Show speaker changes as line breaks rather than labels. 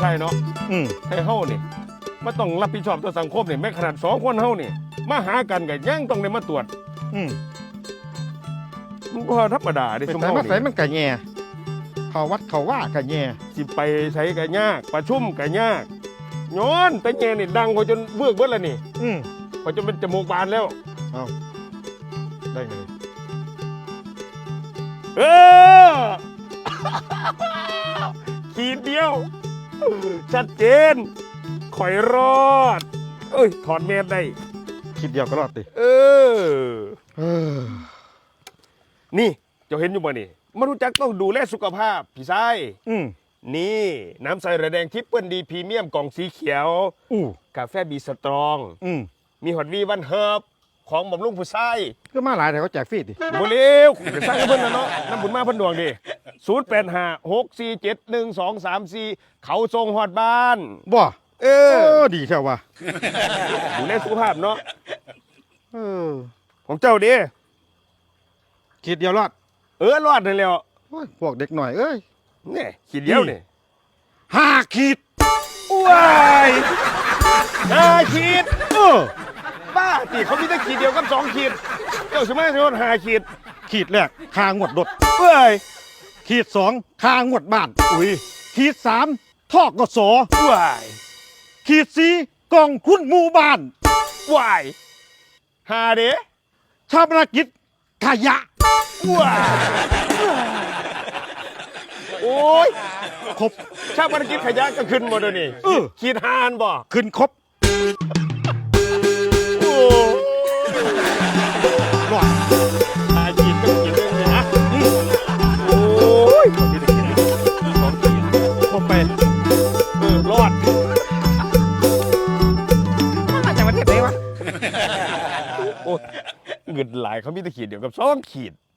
เนาะ
อืม
ให้เฮานี่มาต้องรับผิดชอบต่อสังคมนี่แม้ขนาด2 คนเฮานี่มาหากันก็ยังต้องได้มาตรวจ
อืม
มันก็ธรรมดาเด้
ไป
ซุม
ใส่
เฮา
มาใส่
นี่
มันกะแย่เขาวัดเขาว่ากะแย่
สิไปใช้ก็ยากประชุมก็ยากย้อนแต่แกนี่ดังกว่าจนเบิกเบิดแล้วนี่
อืม
กว่าจนเป็นจมูกบานแล้ว
เอาได้ไง
เออ ขีดเดียว ชัดเจนข่อยรอด เอ้ย ถอดแมสได้
คิดเดียวก็รอดติ
เออ
เออ
นี่เจ้าเห็นอยู่บ่นี่มารู้จักต้องดูแลสุขภาพพี่ชาย
อืม
นี่น้ำใสระแดงทิปเปิลดีพรีเมียมกล่องสีเขียว
อู้
กาแฟบีสตรอง
อืม
มีฮอตวีวันเฮิร์บของบำรุงผู้ชาย
ก็มาหลายแต่เขาแจกฟรีดิ
บ่เร็วจะสร้างให้เพิ่นนะเนาะน้ำบุญมาเพิ่นดวงดิ0856471234เขาทรงฮอดบ้าน
บ่
เอ
เอ
อ
อดีแท้ว่ะ
ดูแลสุขภาพเนาะ
เออ
ของเจ้าดิ
คิดเดียวรอด
รอดนั่นแหล้ว
โอ้ยพวกเด็กหน่อยเอ้ย
นี่ขีดเดียวนี่
5 ขีด
ว้ายขีด
เออ
บ้าติเขามีแต่ขีดเดียวกับ2 ขีด เจ้าสมัยโดน5 ขีด
ขีดแรกคางวดรถ
เอ้ย
ขีด2คางวดบ้าน
อุ้ย
ขีด3ทอกกส
ว้าย
ขีด4กองทุนหมู่บ้าน
ว้ายหาเด้
ชาปนกิจขยะ
ว้ายโอ้ย
ครบ
ชาติภารกิจขยะก็ขึ้นหมดเลยนี่
เออ
ขีดหานบ่
ขึ้นครบ
โอ้
รอด
หาขีดก็ขีดเรื่องนี้นะโอ้ยเขามีแต่ขีด2 ขีด
ครบไป
รอด
มาจากประเทศไหนวะ
โอ้ยเงินหลายเขามีแต่ขีดเดียวกับ2 ขีด